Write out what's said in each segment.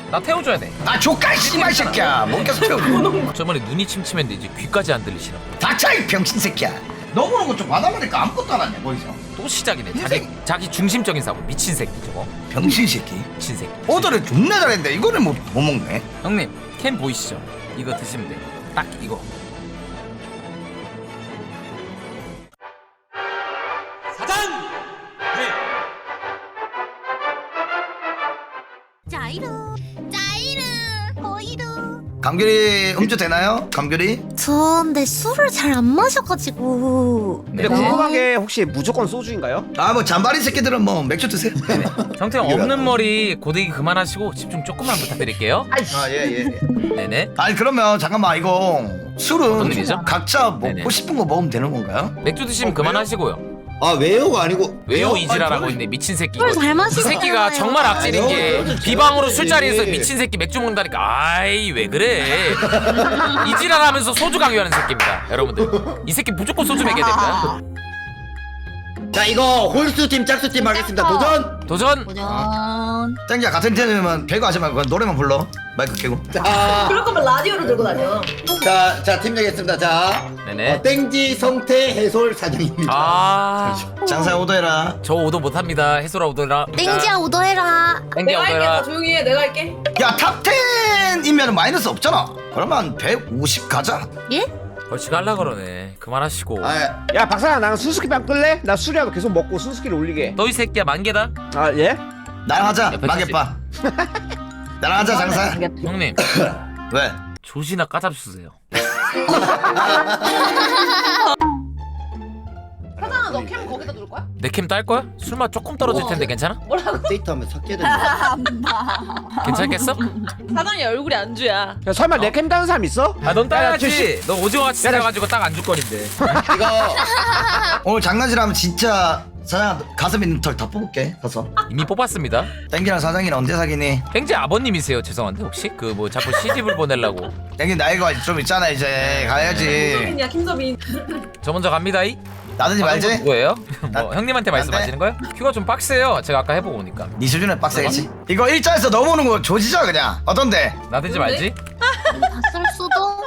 나 태워줘야 돼. 아 조카 씨발 새끼야 못 계속 태우고 저번에 눈이 침침했는데 이제 귀까지 안 들리시나 보다. 닥쳐 이 병신 새끼야 너 보는 거좀 받아보니까 아무것도 안 하냐 거기서 또 시작이네. 자기 중심적인 사고. 미친 새끼 저거. 병신 새끼 미친 새끼. 오더를 존나 잘했는데 이거를 못 먹네 형님 캠 보이시죠? 이거 드시면 돼. 딱 이거. 자이루 보이루. 감귤이 음주 되나요? 감귤이? 저 근데 술을 잘 안 마셔가지고. 네. 근데 궁금한 게 혹시 무조건 소주인가요? 아 뭐 잔바리 새끼들은 뭐 맥주 드세요 형태 형 없는 머리 고데기 그만하시고 집중 조금만 부탁드릴게요. 아예예 네네. 아니 그러면 잠깐만 이거 어떤 술은 일이죠? 각자 먹고 네네. 싶은 거 먹으면 되는 건가요? 맥주 드시면 그만하시고요. 아 왜요가 아니고 왜요 아니, 이지랄하고 저는- 있네 미친 새끼. 술 이거. 잘 이 마시는 새끼가 정말 악질인 게 비방으로 술자리에서 예. 미친 새끼 맥주 먹는다니까. 아이 왜 그래. 이지랄하면서 소주 강요하는 새끼입니다 여러분들. 이 새끼 무조건 소주 먹여야 됩니다. 자 이거 홀수팀 짝수팀 하겠습니다. 도전! 도전. 도전. 땡기야 같은 팀이면 배그 하지 말고 그냥 노래만 불러 마이크 켜고 자, 그럴 거면 라디오를 들고 다녀. 팀 정했습니다. 자 네네. 땡지 성태 해솔 사장입니다. 아, 장사 오더해라 저 오도 못합니다. 해소라 오더라. 땡지야 오더해라. 땡겨 내가 할게. 오더라. 다 조용히 해. 내가 할게. 야 탑 10이면 마이너스 없잖아 그러면 150 가자 예? 벌칙 할라 그러네. 그만하시고. 아, 야 박사야 나랑 순수기빵 끌래? 나 술이라도 계속 먹고 순수기를 올리게. 너 이 새끼야 만개다. 아 예? 나랑 하자 옆에 마개빠 나랑 하자 장사 형님 왜? 조시나 까잡수세요. 사장아, 너 캠 거기다 둘 거야? 내 캠 딸 거야? 술맛 조금 떨어질 텐데 괜찮아? 뭐라고? 데이트하면 섞여야 된다. 괜찮겠어? 사장이 얼굴이 안주야. 야 설마 내 캠 다는 사람 있어? 아 넌 야, 따야지. 너 오징어 같이 생겨가지고 딱 안 줄 거린데. 이거 오늘 장난질하면 진짜 사장 가슴 있는 털 다 뽑을게 가서 이미 뽑았습니다. 땡기랑 사장이는 언제 사귀니? 땡지 아버님이세요. 죄송한데 혹시 그 뭐 자꾸 시집을 보내려고. 땡기 나이가 좀 있잖아 이제 가야지 김서빈이야, 김서빈. 저 먼저 갑니다. 이 나든지 말지? 누구예요? 나- 뭐 형님한테 말씀하시는 거예요? 큐가 좀 빡세요. 제가 아까 해보고 오니까. 네 수준에 빡세겠지? 이거 일자에서 넘어오는 거 조지자 그냥 어떤데? 나대지 말지. 봤을 수도.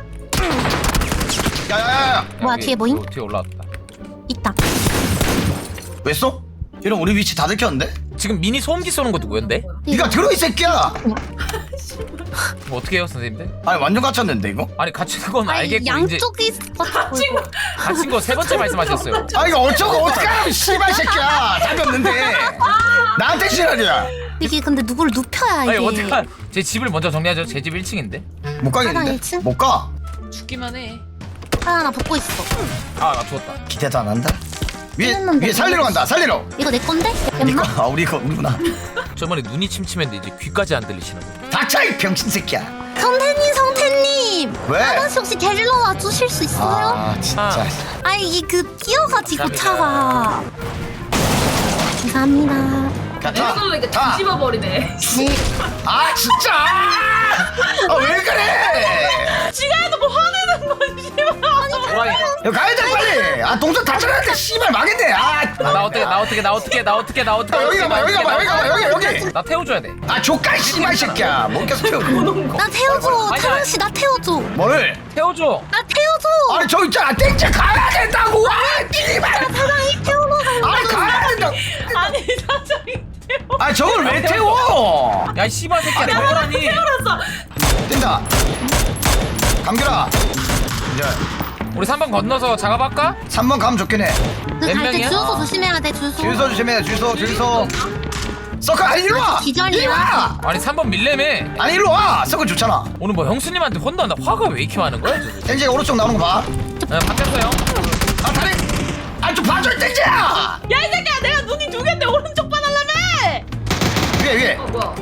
야야야야 뭐야 여기 뒤에 뭐임? 뒤에 올라왔다. 있다. 왜 쏘? 이런 우리 위치 다 들켰는데? 지금 미니 소음기 쏘는 거 누구였는데? 니가 들어 이 새끼야! 뭐 어떻게 해요 선생님들? 아니 완전 갇혔는데 이거? 아니 갇힌 건 아니 알겠고 이제 양쪽이 갇히고. 갇힌 거 세 번째 말씀하셨어요. 아 이거 어쩌고 어떡하라고 씨발 새끼야 잡혔는데 나한테 지랄이야 이게 근데 누구를 눕혀야 아니 이게. 어떡한 제 집을 먼저 정리하죠. 제 집 1층인데. 못 사장 가겠는데? 일층? 못 가? 죽기만 해. 하나 붙고 있어. 아 나 죽었다. 기대도 안 한다? 위에 했는데. 살리러 간다 살리러 이거 내 건데? 니거 엠마? 아 우리구나 저번에 눈이 침침했는데 이제 귀까지 안 들리시나 보다. 닥쳐 이 병신 새끼야 성태님. 왜? 아저씨 혹시 데리러 와주실 수 있어요? 아 진짜 아 이게 그 뛰어가지고 감사합니다. 차가. 감사합니다. 가 이렇게 타! 뒤집어 버리네. 네. 아 진짜 아 왜 그래 지가 해도 뭐 화내는 거지. 호랑이. 야 가야 돼 빨리 아 동선 다 찾았는데 씨발 망했네 나 어떻게 여기 가봐 여기 가봐 여기 가봐 여기 나 태워줘야 돼. 아 조카 씨발 새끼야 못 계속 태우고 나 태워줘. 아니, 태원 씨 나 태워줘. 뭘 태워줘. 나 태워줘. 아니 저 있잖아 땡째 가야 된다고 아 씨발 사장이 태우러 가. 아니 가야 된다고 아니, 사장이 태워. 아니 저걸 왜 태워 야이 씨발 새끼야 태워라니. 태워놨어. 뛴다 감귤아 이제 우리 3번 건너서 작업할까? 3번 가면 좋긴 해 그 몇 갈 때 명이야? 주유소 조심해야 돼 주유소. 주유소 조심해 주유소 서클 아니 일로 와 기절이야. 일로 와 아니 3번 밀레매. 아니 일로 와 서클 좋잖아 오늘 뭐 형수님한테 혼난다. 화가 왜 이렇게 많은 거야? 땡재가 오른쪽 나오는 거봐 바뀌었어요. 아 다리 아좀 봐줘 땡재야 야, 이 새끼야. 내가 눈이 두 개인데 오른쪽 봐달라며. 위에 뭐야?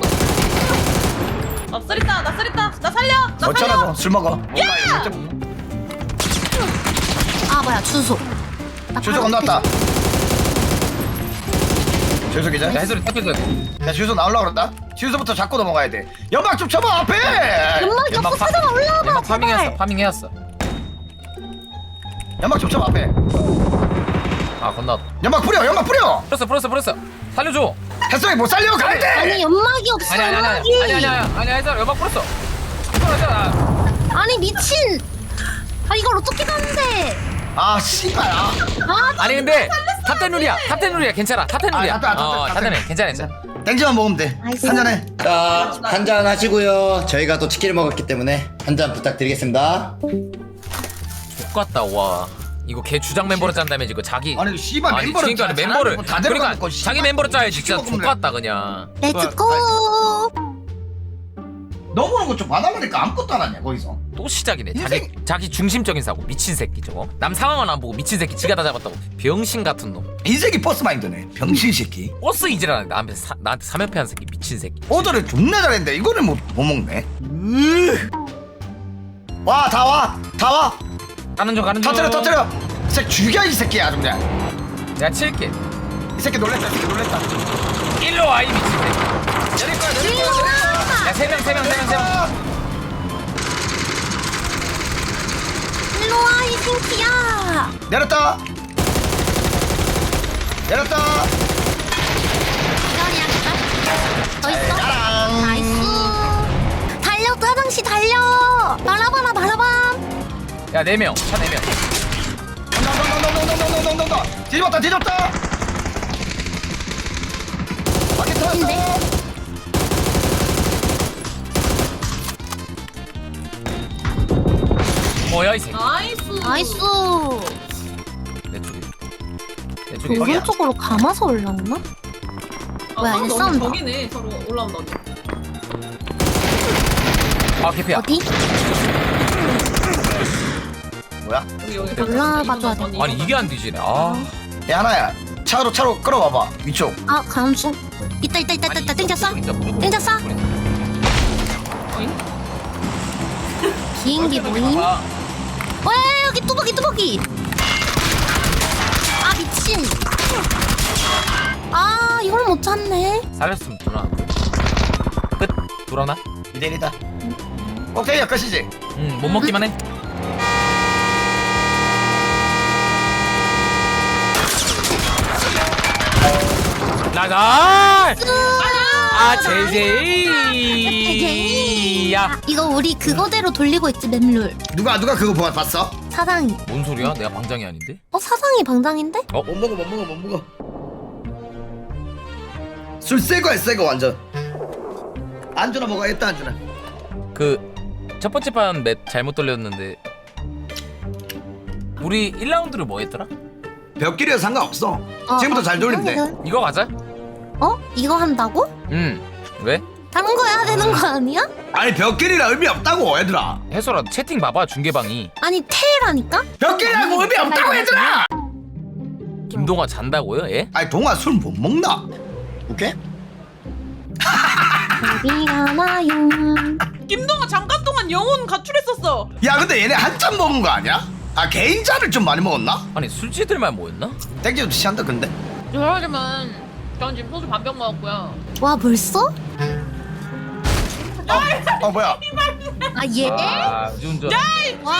쓰리다. 나 쓰리다. 나 살려. 나 어쩌나 살려. 너술 먹어 아 뭐야 주유소. 나 주유소 바로 건너왔다 주유소 기자 야 해설이 탁해줘야 돼. 야 주유소 나오려고 그런다 주유소부터 잡고 넘어가야 돼 연막 좀 쳐봐 앞에 연막 연막 잡고 파- 사장아 올라와봐 연막 파밍해왔어. 제발. 파밍해왔어. 연막 좀 쳐봐 앞에 아 건너. 연막 뿌려 연막 뿌려. 풀었어. 살려줘. 햇성이 못 살려 가는데. 아니 연막이 없어. 아니 해설 연막 풀었어. 아니 미친. 아 이걸 어떻게 가는데? 아 씨발. 아. 아니 근데 탑텐룰이야 괜찮아 탑텐룰이야. 아, 탑텐. 괜찮아. 땡지만 먹으면 돼. 아이씨. 한 잔해. 자, 한 잔 하시고요. 저희가 또 치킨을 먹었기 때문에 한 잔 부탁드리겠습니다. 똑같다 와. 이거 걔 주장 멤버로 짠다며 지금 자기. 아니 씨발 아니 멤버를 그러니까 짜. 멤버를 다 그러니까 데려가놓고 자기 멤버로 짜야지 진짜 시키고 똑같다 그냥. 렛츠고. 넘어오는 거 좀 받아보니까 아무것도 안 하냐 거기서. 또 시작이네. 인생- 자기 중심적인 사고 미친 새끼 저거. 남 상황은 안 보고 미친 새끼 지가 다 잡았다고. 병신 같은 놈. 인생이 버스 마인드네. 병신 새끼. 버스 이지라는 나한테 3연패한 새끼 미친 새끼. 오더를 존나 잘했는데 이거를 못 먹네. 와 다 와. 가는 중. 터뜨려. 이 새끼 죽여 이 새끼야 아주 그냥. 내가 칠게. 이 새끼 놀랬다. 일로 와 이 미친 새끼. 내릴 거야. 야 3명. 일로 와 이 새끼야. 내렸다. 기다리야 기다. 더 있어. 짜랑. 나이스. 달려 짜장씨 달려. 바라봐라. 야 4명. 차 4명. 너. 뒤집었다. 바퀴 터졌어. 뭐야 이 새끼. 나이스. 내 쪽에. 그 오른쪽으로 감아서 올라오나? 뭐야 이제 싸운다. 저기네 서로 올라온다. 아 개피야. 어디? 뭐야? 여기 올라가줘야 돼. 아니 이게 안 뒤지네. 아. 야 하나야. 차로 끌어와봐. 위쪽. 아 가는 중. 있다. 땡겼어? 땡겼어? 비행기 모임? 와 여기 뚜벅이. 아 미친. 아 이걸 못 찾네. 살렸으면 돌아. 끝. 돌아나? 2대1이다. 오케이 끝이지. 못 먹기만 해. 나가. 제이제이. 야. 이거 우리 그거대로 돌리고 있지 맵룰. 누가 그거 봤어? 사장이. 뭔 소리야? 내가 방장이 아닌데? 사장이 방장인데? 못 먹어. 술 새거 완전. 안주나 먹어야겠다 안주나. 그 첫 번째 판 맵 잘못 돌렸는데 우리 1라운드를 뭐 했더라? 벽길이라 상관없어. 지금부터 잘 돌리면 돼. 이거 가자. 이거 한다고? 왜? 다른 거 해야 되는 거 아니야? 아니 벽길이라 의미 없다고 얘들아. 해소라 채팅 봐봐 중계방이. 아니 테라니까? 벽길이라고 의미 없다고 얘들아. 김동아 잔다고요? 예? 아니 동아 술 못 먹나? 오케이? 어디 가나요? 김동아 잠깐 동안 영혼 가출했었어. 야 근데 얘네 한 잔 먹은 거 아니야? 아 개인차를 좀 많이 먹었나? 아니 술집들만 모였나? 땡겨도 취한다 근데. 저러지만 전 지금 소주 반병 먹었고요. 와 벌써? 뭐야? 아 얘? 운전. 와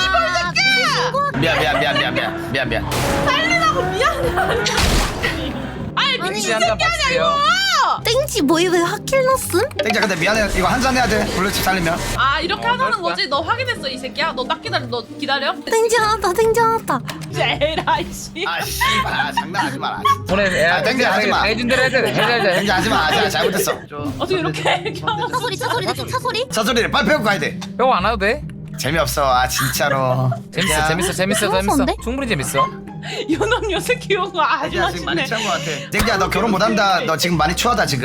미안. 살리라고 미안해. 아니 아니, 미친 한잔 새끼 아니야 봤어요. 이거. 땡지 뭐이 왜 하킬 넣었음? 땡자 근데 미안해 이거 한 잔 해야 돼. 블루칩 살리면. 아 이렇게 하자는 그럴까? 거지? 너 확인했어 이 새끼야? 너 딱 기다려. 너 기다려. 땡지 하나다 제라 이씨. 아 씨발 장난하지 마라. 보내. 아, 땡겨, 하지 마. 해준 대로 해야 돼. 땡자 하지마 잘못했어. 어떻게 이렇게 차소리 차소리를 빨리 배우고 가야 돼. 형 안 와도 돼? 재미없어 아 진짜로. 재밌어. 충분히 재밌어. 연원 요새 귀여워. 아주 땡자 지금 많이 맛있네. 취한 거 같아. 땡자 너 결혼 못한다. 너 지금 많이 추하다 지금.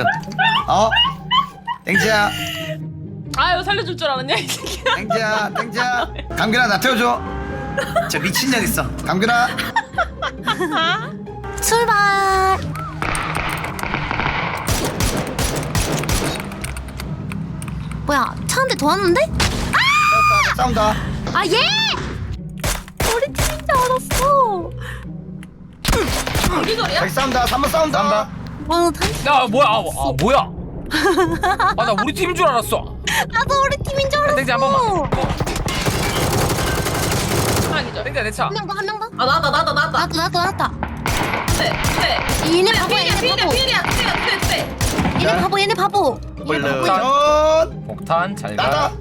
땡자 아유 살려줄 줄 알았냐 이 새끼야. 땡자 감귤아 나 태워줘. 저 미친년 있어. 감귤아. 출발. 뭐야 차 한 대 더 왔는데? 싸운다. 아 얘! 우리 팀인 줄 알았어. 우리 거야? 저기 싸운다. 3번 싸운다. 와 다시 야 뭐야? 뭐야? 아 나 우리 팀인 줄 알았어. 나도 우리 팀인 줄 알았어. 땡지 한 번만. 하나 기절. 땡자 내 차. 한 명 더. 아 나왔다. 나왔다. 얘네 바보 얘네 바보 얘네 바보 물론 폭탄 잘 나다. 가.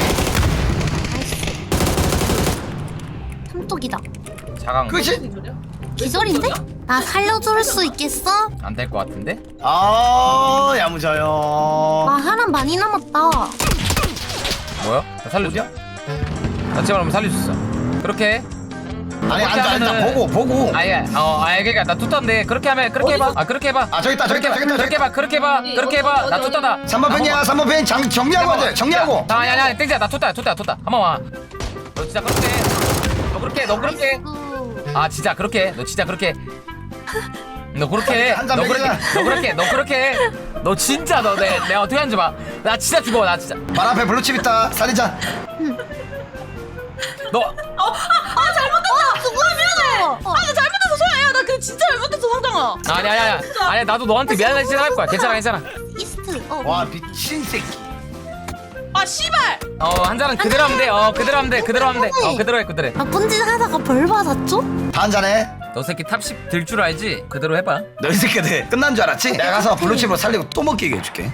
삼독이다 자강 끝이. 기절인데? 나 살려줄 수 있겠어? 안될 것 같은데? 아 야무져요. 나 사람 많이 남았다 뭐야? 나 살려줘? 나 제발 한번 살릴 수 있어. 그렇게 아니 그렇게 앉아 하면은- 보고. 아예 그러니까 나 뚜따인데 그렇게 하면 그렇게 해봐. 아 그렇게 해봐. 아 저기 있다 저기 있다 저기 있다. 그렇게 해봐. 그렇게 해봐. 그렇게 해봐. 나 뚜따다. 3번 팬이야 3번 팬 정리하고 하자 정리하고. 아야 땡지야 나 뚜따야 뚜따 한번 와. 너 진짜 그렇게 해. 너 그렇게 아 진짜 그렇게 너 진짜 그렇게 너 그렇게 해. 한잔 너 그렇게 먹이자. 너 그렇게 해. 너 진짜 내가 어떻게 하는지 봐. 나 진짜 죽어 나 진짜. 말 앞에 블루칩 있다 살리자. 너 수고했어 나 잘못해서 소야야. 나 그래 진짜 잘못했어 상장아. 아니야 나도 너한테 미안하게 생각할 거야. 괜찮아. 이스트 와 미친 새끼. 아 씨발. 한 잔은 그대로 하면 돼. 그대로 하면 돼. 그대로 해. 나쁜 짓 하다가 벌 받았죠? 다 한잔해. 너 새끼 탑10 들 줄 알지? 그대로 해봐. 너 이 새끼들 끝난 줄 알았지? 내가 가서 블루칩으로 살리고 또 먹게 해줄게.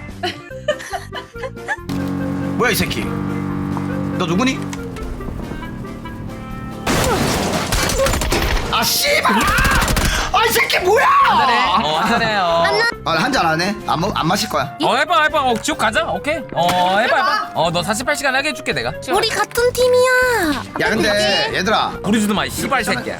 뭐야 이 새끼? 너 누구니? 아 씨발! 아이 새끼 뭐야? 한잔해. 한잔 안 해? 안 마실 거야. 해봐. 지옥 가자. 오케이. 해봐. 너 48시간 하게 해줄게 내가. 우리 같은 팀이야 야 근데 얘들아 부르지도 마. 이 씨발 새끼야.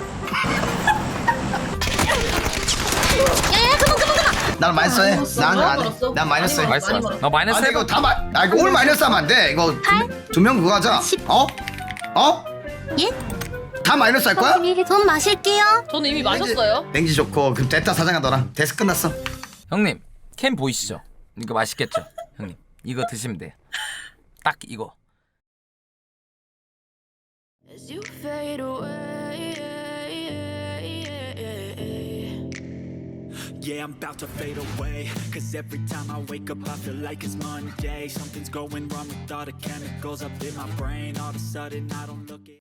야야 그만 난 마이너스 해. 난 많이 안 해. 벌었어. 난 마이너스 해. 많이 맛있어. 벌었어. 너 마이너스 아니 해봐. 이거 다 이거 올 마이너스 하면 안 돼. 이거 두 명 그거 하자. 10. 어? 예? 다 마이너스 할 거야? 전 마실게요 저는 이미 마셨어요. 냉지 좋고 그럼 됐다 사장아 너랑 데스 끝났어. 형님 캔 보이시죠? 이거 맛있겠죠? 형님 이거 드시면 돼. 딱 이거. As you fade away, yeah, I'm about to fade away. Cause every time I wake up, I feel like it's Monday. Something's going wrong with all the chemicals up in my brain. All of a sudden, I don't look it.